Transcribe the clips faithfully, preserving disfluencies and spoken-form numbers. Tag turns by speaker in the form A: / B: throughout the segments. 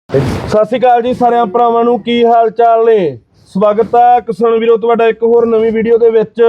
A: सत श्री अकाल जी सारे भरावां नूं की हाल चाल ने। स्वागत है किसान वीरों तुहाडा एक होर नवीं वीडियो दे विच।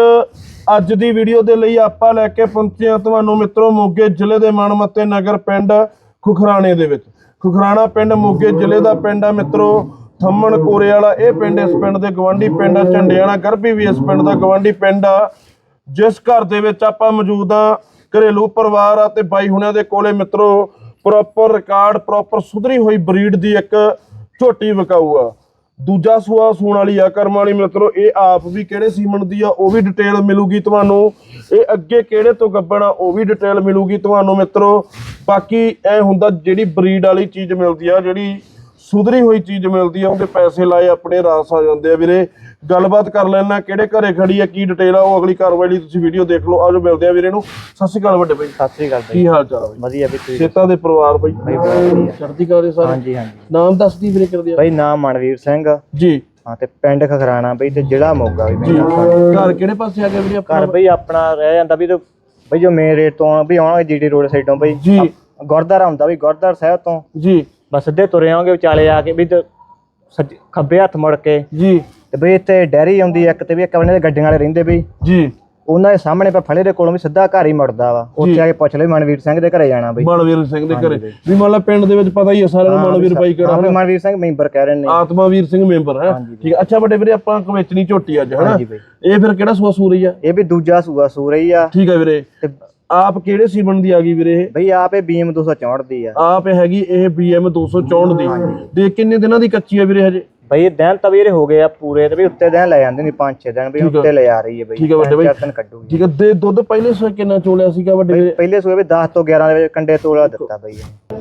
A: अज दी वीडियो दे लई आपां लैके पहुंचे हां तुहानूं मित्रों मोगे जिले दे माणमत्ते नगर पिंड खुखराणे दे विच। खुखराणा पिंड मोगे जिले दा पिंड आ मित्रों। थम्मण कोरे वाला ये पिंड इस पिंड दे गवांढी पिंड आ। झंडियाणा गरभी भी इस पिंड दा गवांढी पिंड आ। जिस घर दे विच आपां मौजूद आ घरेलू परिवार आ ते बाई हुणां दे कोले मित्रों प्रॉपर रिकॉर्ड प्रॉपर सुधरी हुई ब्रीड की एक झोटी विकाऊ आ। दूजा सुआ सूण वाली आ करम वाली मित्रों। ये आप भी किहड़े सीमन दी आ वो भी डिटेल मिलूगी तुहानूं। ये अगे किहड़े तो गब्बण आ वो भी डिटेल मिलूगी तुहानूं मित्रों। बाकी ऐ हुंदा जिहड़ी ब्रीड वाली चीज़ मिलदी आ जिहड़ी सुधरी हुई चीज़ मिलती है उनके पैसे लाए अपने रास आ जाते हैं वीरे। गलबात कर लेना किहड़े घरे खड़ी है की डिटेल आ वो अगली कार्रवाई लई तुसीं वीडियो देख लो। आजो मिलते हैं वीरे नूं। सत श्री अकाल वड्डे भाई।
B: सत श्री अकाल
A: की हाल चाल है?
B: वधिया भी तुसीं
A: सेहतां दे परिवार भाई चढ़दी कला दे सारे?
B: हां जी हां जी।
A: नाम दस दी वीरे कर दिया
B: भाई नाम मनवीर सिंह
A: जी।
B: हां ते पिंड खखराणा भाई ते जिला मोगा भी
A: जी। घर किहड़े पासे आ गया वीरे अपना?
B: घर भाई अपना रह जांदा भी ते भाई जो मेन रेट तो भी आउणगे जीटी रोड साइडों भाई
A: जी।
B: गुरद्वारा हुंदा भी गुरद्वारा साहिब तो
A: जी
B: बस सिद्धे तुरे आओगे विचाले आके भी ते खब्बे हत्थ मुड़ के
A: जी
B: ते बई इत्थे डेयरी आउंदी एक ते भी एक बने गड्डियां वाले रहिंदे बई
A: जी।
B: ਉਹਨਾਂ ਦੇ ਸਾਹਮਣੇ ਪਾ ਫਲੇ ਦੇ ਕੋਲੋਂ ਵੀ ਸਿੱਧਾ ਘਰ ਹੀ ਮੁੜਦਾ ਵਾ। ਉੱਥੇ ਆ ਕੇ ਪੁੱਛ ਲੈ ਮਨਵੀਰ ਸਿੰਘ ਦੇ ਘਰੇ ਜਾਣਾ ਬਈ।
A: ਮਨਵੀਰ ਸਿੰਘ ਦੇ ਘਰੇ ਵੀ ਮੰਨ ਲਾ ਪਿੰਡ ਦੇ ਵਿੱਚ ਪਤਾ ਹੀ ਹੈ ਸਾਰਿਆਂ ਨੂੰ ਮਨਵੀਰ ਬਾਈ ਕਿਹੜਾ ਹੈ।
B: ਮਨਵੀਰ ਸਿੰਘ ਮੈਂਬਰ ਕਹਿ ਰਹੇ ਨੇ।
A: ਆਤਮਾਵੀਰ ਸਿੰਘ ਮੈਂਬਰ ਹੈ ਠੀਕ ਹੈ। ਅੱਛਾ ਵੱਡੇ ਵੀਰੇ ਆਪਾਂ ਕਵੇਚਣੀ ਝੋਟੀ ਅੱਜ ਹਨਾ ਇਹ ਫਿਰ ਕਿਹੜਾ ਸੂਆ ਸੂ ਰਹੀ ਆ?
B: ਇਹ ਵੀ ਦੂਜਾ ਸੂਆ ਸੂ ਰਹੀ ਆ।
A: ਠੀਕ ਹੈ ਵੀਰੇ। ਤੇ ਆਪ ਕਿਹੜੇ ਸੀਮਨ ਦੀ ਆ ਗਈ ਵੀਰੇ ਇਹ?
B: ਬਈ ਆਪ ਇਹ ਬੀਐਮ ਦੋ ਸੌ ਚੌਂਹਠ ਦੀ ਆ।
A: ਆਪ ਹੈਗੀ ਇਹ ਬੀਐਮ ਦੋ ਸੌ ਚੌਂਹਠ ਦੀ। ਦੇ ਕਿੰਨੇ ਦਿਨਾਂ ਦੀ ਕੱਚੀ ਆ ਵੀਰੇ ਹਜੇ?
B: ਬਈ ਦਿਨ ਤਾਂ ਵੀਰੇ ਹੋ ਗਏ ਆ ਪੂਰੇ ਤੇ ਵੀ ਉੱਤੇ ਦਿਨ ਲੈ ਜਾਂਦੇ ਨਹੀਂ ਪੰਜ ਛੇ ਦਿਨ ਵੀ ਉੱਤੇ ਲੈ ਆ ਰਹੀ ਹੈ ਬਈ।
A: ਠੀਕ ਹੈ ਵੱਡੇ ਬਾਈ
B: ਦਿਨ ਕੱਢੂਗੀ।
A: ਠੀਕ ਹੈ। ਦੇ ਦੁੱਧ ਪਹਿਲੇ ਸੂਏ ਕਿੰਨਾ ਚੋਲਿਆ ਸੀਗਾ ਵੱਡੇ ਵੀਰੇ?
B: ਪਹਿਲੇ ਸੂਏ ਵੀ ਦਸ ਤੋਂ ਗਿਆਰਾਂ ਦੇ ਵਿੱਚ ਕੰਡੇ ਤੋਲਾ ਦਿੱਤਾ ਬਈ।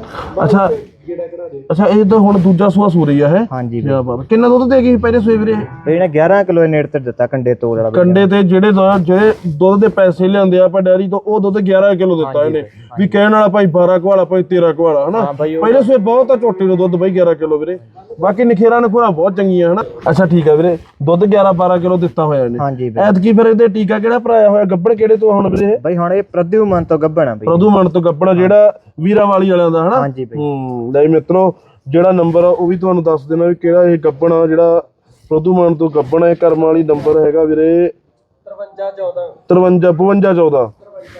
A: ਅੱਛਾ ਅੱਛਾ ਇਹ ਤਾਂ ਹੁਣ ਦੂਜਾ ਸੂਆ ਸੂ ਰਹੀ ਆ ਹੈ?
B: ਹਾਂਜੀ
A: ਕੀ ਬਾਤ। ਕਿੰਨਾ ਦੁੱਧ ਦੇ ਗਈ ਪਹਿਲੇ ਸੂਏ ਵੀਰੇ?
B: ਬਈ ਇਹਨੇ ਗਿਆਰਾਂ ਕਿਲੋ ਦੇ ਨੇੜੇ ਤੇ ਦਿੱਤਾ ਕੰਡੇ ਤੋਲ ਵਾਲਾ।
A: ਕੰਡੇ ਤੇ ਜਿਹੜੇ ਜਿਹੜੇ ਦੁੱਧ ਦੇ ਪੈਸੇ ਲਿਆਂਦੇ ਆਪਾਂ ਡੈਰੀ ਤੋਂ ਉਹ ਦੁੱਧ ਗਿਆਰਾਂ ਕਿਲੋ ਦਿੱਤਾ ਇਹਨੇ। ਵੀ ਕਹਿਣ ਵਾਲਾ ਭਾਈ ਬਾਰਾਂ ਕੁ ਵਾਲਾ ਭਾਈ ਤੇਰਾਂ ਕੁ ਵਾਲਾ ਹਨਾ। ਪਹਿਲੇ ਸੂਏ ਬਹੁਤ ਆ ਝੋਟੀ ਨੂੰ ਦੁੱਧ ਬਈ ਗਿਆਰਾਂ ਕਿਲੋ ਵੀਰੇ। ਬਾਕੀ ਨਖੇਰਾ ਨਖੂਰਾ ਬਹੁਤ ਚੰਗੀਆਂ ਹਨਾ। ਅੱਛਾ ਠੀਕ ਹੈ ਵੀਰੇ। ਦੁੱਧ ਗਿਆਰਾਂ ਬਾਰਾਂ ਕਿਲੋ ਦਿੱਤਾ ਹੋਇਆ ਇਹਨੇ।
B: ਹਾਂਜੀ
A: ਐਤਕੀ ਫਿਰ ਇਹਦੇ ਟੀਕਾ ਕਿਹੜਾ ਭਰਾਇਆ ਹੋਇਆ? ਗੱਬੜ ਕਿਹੜੇ ਤੋਂ ਹੁਣ ਵੀਰੇ?
B: ਬਈ ਹੁਣ ਇਹ ਪ੍ਰਦੂਮਨ ਤੋਂ ਗੱਬਣਾ ਬਈ।
A: ਪ੍ਰਦੂਮਨ ਤੋਂ ਗੱਬੜ ਜਿਹੜਾ ਵੀਰਾਂ ਵਾਲੀ ਵਾਲਿਆਂ ਦਾ ਹਨਾ।
B: ਹਾਂਜੀ ਬਈ।
A: ਹੂੰ ਲੈ ਮਿੱਤਰੋ ਜਿਹੜਾ ਨੰਬਰ ਆ ਉਹ ਵੀ ਤੁਹਾਨੂੰ ਦੱਸ ਦੇਣਾ ਵੀ ਕਿਹੜਾ ਇਹ ਗੱਬਣ ਆ ਜਿਹੜਾ ਪ੍ਰਦੂਮਨ ਤੋਂ ਗੱਬਣ ਹੈ। ਕਰਮ ਵਾਲੀ ਨੰਬਰ ਹੈਗਾ ਵੀਰੇ ਤਰਵੰਜਾ ਚੌਦਾਂ ਤਰਵੰਜਾ ਬਵੰਜਾ ਚੌਦਾਂ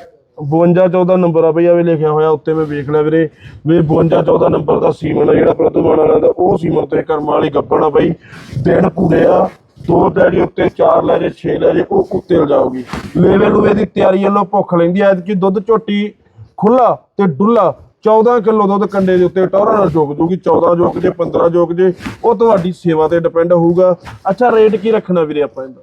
A: ਬਵੰਜਾ ਚੌਦਾਂ ਨੰਬਰ ਆ ਬਈ। ਆ ਵੀ ਲਿਖਿਆ ਹੋਇਆ ਉੱਤੇ ਮੈਂ ਵੇਖ ਲਿਆ ਵੀਰੇ ਵੀ ਬਵੰਜਾ ਚੌਦਾਂ ਨੰਬਰ ਦਾ ਸੀਮਨ ਆ ਜਿਹੜਾ ਪ੍ਰਦੂਮਨ ਵਾਲਾ ਦਾ ਉਹ ਸੀਮਨ ਤੇ ਕਰਮ ਵਾਲੀ ਗੱਬਣ ਆ ਬਈ। ਦਿਨ ਪੂਰੇ ਆ ਦੋ ਡੈਡੀ ਉੱਤੇ ਚਾਰ ਲੈ ਜੇ ਛੇ ਲੈ ਜੇ ਉਹ ਉੱਤੇ ਜਾਊਗੀ। ਲੇਵੇ ਲੂਵੇ ਦੀ ਤਿਆਰੀ ਵੱਲੋਂ ਭੁੱਖ ਲੈਂਦੀ ਐ ਕਿ ਦੁੱਧ ਝੋਟੀ ਖੁੱਲਾ ਤੇ ਡੁੱਲਾ ਚੌਦਾਂ ਕਿਲੋ ਦੁੱਧ ਕੰਡੇ ਦੇ ਉੱਤੇ ਟੌਰਾਂ ਨਾਲ ਜੋਗ ਜੂਗੀ। ਚੌਦਾਂ ਜੋਗ ਜੇ ਪੰਦਰਾਂ ਜੋਗ ਜੇ ਉਹ ਤੁਹਾਡੀ ਸੇਵਾ ਤੇ ਡਿਪੈਂਡ ਹੋਊਗਾ। ਅੱਛਾ ਰੇਟ ਕੀ ਰੱਖਣਾ ਵੀਰੇ ਆਪਾਂ ਇਹਦਾ?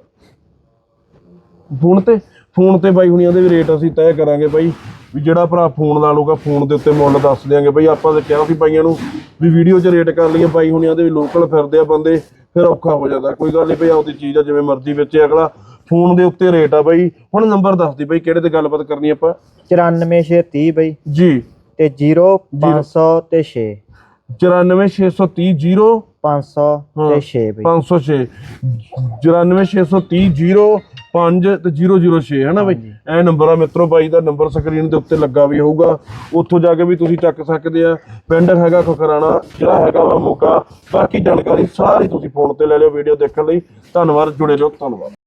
A: ਫੋਨ ਤੇ ਫੋਨ ਤੇ ਬਾਈ ਹੁਣੀਆਂ ਦੇ ਵੀ ਰੇਟ ਅਸੀਂ ਤੈਅ ਕਰਾਂਗੇ ਬਾਈ। ਵੀ ਜਿਹੜਾ ਭਰਾ ਫੋਨ ਲਾ ਲਊਗਾ ਫੋਨ ਦੇ ਉੱਤੇ ਮੁੱਲ ਦੱਸ ਦਿਆਂਗੇ ਬਾਈ। ਆਪਾਂ ਤਾਂ ਕਿਹਾ ਸੀ ਬਾਈਆਂ ਨੂੰ ਵੀ ਵੀਡੀਓ 'ਚ ਰੇਟ ਕਰ ਲਈਏ। ਬਾਈ ਹੁਣੀਆਂ ਦੇ ਵੀ ਲੋਕਲ ਫਿਰਦੇ ਆ ਬੰਦੇ ਫਿਰ ਔਖਾ ਹੋ ਜਾਂਦਾ। ਕੋਈ ਗੱਲ ਨਹੀਂ ਬਈ ਆਪਦੀ ਚੀਜ਼ ਆ ਜਿਵੇਂ ਮਰਜ਼ੀ ਵਿੱਚ ਅਗਲਾ ਫੋਨ ਦੇ ਉੱਤੇ ਰੇਟ ਆ ਬਾਈ। ਹੁਣ ਨੰਬਰ ਦੱਸ ਦੀ ਬਾਈ ਕਿਹੜੇ ਤੇ ਗੱਲਬਾਤ ਕਰਨੀ ਆਪਾਂ?
B: ਚੁਰਾਨਵੇਂ ਛੇ ਤੀਹ ਬਈ
A: ਜੀ
B: ਤੇ ਜ਼ੀਰੋ ਪੰਜ ਸੌ ਤੇ ਛੇ।
A: ਚੁਰਾਨਵੇਂ ਛੇ ਸੌ ਤੀਹ ਜ਼ੀਰੋ
B: ਪੰਜ ਸੌ ਤੇ ਛੇ ਬਈ।
A: ਪੰਜ ਸੌ ਛੇ ਚੁਰਾਨਵੇਂ ਛੇ ਸੌ ਤੀਹ ਜ਼ੀਰੋ ਪੰਜ ਤੇ ਜ਼ੀਰੋ ਜ਼ੀਰੋ ਛੇ ਹੈ ਨਾ ਬਾਈ। ਇਹ ਨੰਬਰ ਆ ਮਿੱਤਰੋ ਬਾਈ ਦਾ। ਨੰਬਰ ਸਕਰੀਨ ਦੇ ਉੱਤੇ ਲੱਗਾ ਵੀ ਹੋਊਗਾ ਉੱਥੋਂ ਜਾ ਕੇ ਵੀ ਤੁਸੀਂ ਚੱਕ ਸਕਦੇ ਆ। ਪਿੰਡ ਹੈਗਾ ਖੁਖਰਾਣਾ ਜਿਹੜਾ ਹੈਗਾ ਵਾ ਮੋਗਾ। ਬਾਕੀ ਜਾਣਕਾਰੀ ਸਾਰੀ ਤੁਸੀਂ ਫੋਨ ਤੇ ਲੈ ਲਿਓ ਵੀਡੀਓ ਦੇਖਣ ਲਈ। ਧੰਨਵਾਦ। ਜੁੜੇ ਰਹੋ। ਧੰਨਵਾਦ।